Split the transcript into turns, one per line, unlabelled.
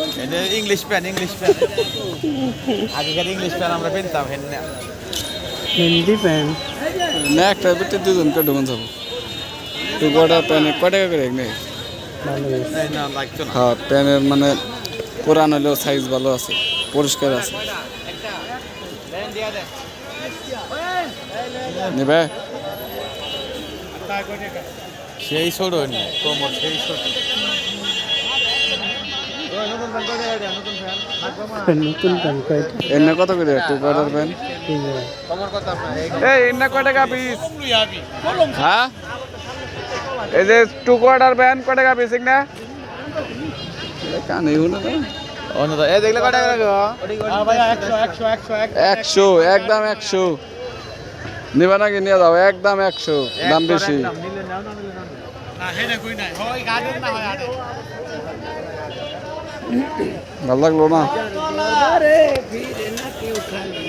English पैन আগেকার English প্যান আমরা পেনতাম হেন
हिंदी पैन
না একটা ভিতরে দুজনকে ঢুকুন যাবো টু কোয়ার্টার প্যানে কয় টাকা করে নেই
ভালো
না লাগতো না
হ্যাঁ প্যানের মানে পুরান হলেও সাইজ ভালো আছে পরিষ্কার আছে নেবে
সেই ছোট নি কোমর সেই ছোট
নতুন প্যান কয়টা
এনে কত করে টু কোয়ার্টার প্যান
3000
কোমর কত আপনার
এই এনে কয় টাকা পিস হ্যাঁ এই যে টু কোয়ার্টার প্যান কয় টাকা পিস না কানে হলো না
অন্য তো এই দেখলে কত টাকা লাগবে ভাই 100
একদম 100 নিবা নাকি নিয়ে যাও একদম 100 দাম বেশি
নিলে নাও না নিলে না হেনে কই নাই হয় গাদের না হয় আরে
ভালো লাগলো না
अरे फिर ना क्यों उठा